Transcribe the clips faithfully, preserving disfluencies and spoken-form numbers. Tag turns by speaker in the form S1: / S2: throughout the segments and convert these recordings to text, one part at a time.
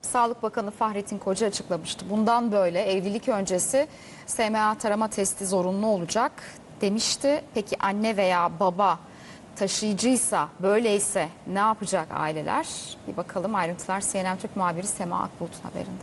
S1: Sağlık Bakanı Fahrettin Koca açıklamıştı. Bundan böyle evlilik öncesi S M A tarama testi zorunlu olacak demişti. Peki anne veya baba taşıyıcıysa, böyleyse ne yapacak aileler? Bir bakalım, ayrıntılar C N N Türk muhabiri Sema Akbulut'un haberinde.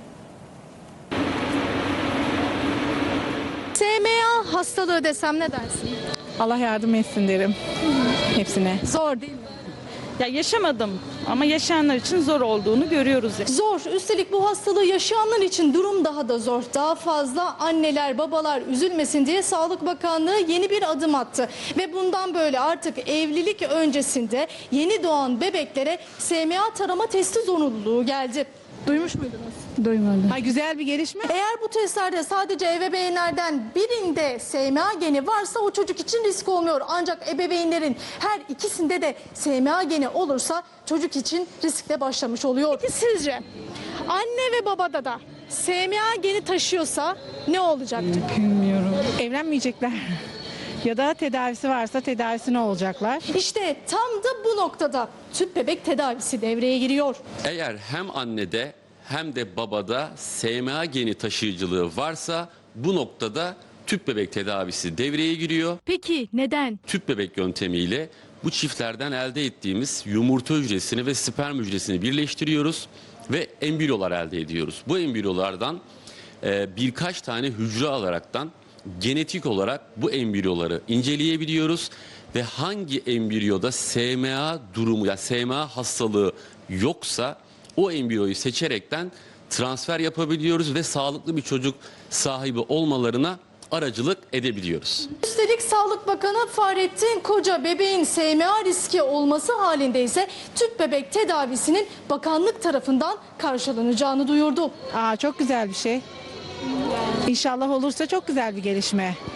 S2: S M A hastalığı desem ne dersin?
S3: Allah yardım etsin derim. Hepsine.
S2: Zor değil mi?
S3: Ya yaşamadım ama yaşayanlar için zor olduğunu görüyoruz.
S2: Zor. Üstelik bu hastalığı yaşayanlar için durum daha da zor. Daha fazla anneler, babalar üzülmesin diye Sağlık Bakanlığı yeni bir adım attı. Ve bundan böyle artık evlilik öncesinde yeni doğan bebeklere S M A tarama testi zorunluluğu geldi. Duymuş muydunuz?
S3: Duymadım. Ha, güzel bir gelişme.
S2: Eğer bu testlerde sadece ebeveynlerden birinde S M A geni varsa o çocuk için risk olmuyor. Ancak ebeveynlerin her ikisinde de S M A geni olursa çocuk için riskle başlamış oluyor. Peki sizce anne ve babada da S M A geni taşıyorsa ne olacaktır?
S3: Bilmiyorum. Evlenmeyecekler. Ya da tedavisi varsa tedavisine olacaklar.
S2: İşte tam da bu noktada tüp bebek tedavisi devreye giriyor.
S4: Eğer hem annede hem de babada S M A geni taşıyıcılığı varsa bu noktada tüp bebek tedavisi devreye giriyor.
S2: Peki neden?
S4: Tüp bebek yöntemiyle bu çiftlerden elde ettiğimiz yumurta hücresini ve sperm hücresini birleştiriyoruz ve embriyolar elde ediyoruz. Bu embriyolardan e, birkaç tane hücre alaraktan genetik olarak bu embriyoları inceleyebiliyoruz ve hangi embriyoda S M A durumu ya S M A hastalığı yoksa o embriyoyu seçerekten transfer yapabiliyoruz ve sağlıklı bir çocuk sahibi olmalarına aracılık edebiliyoruz.
S2: Üstelik Sağlık Bakanı Fahrettin Koca bebeğin S M A riski olması halinde ise tüp bebek tedavisinin bakanlık tarafından karşılanacağını duyurdu.
S3: Aa, çok güzel bir şey. İnşallah olursa çok güzel bir gelişme.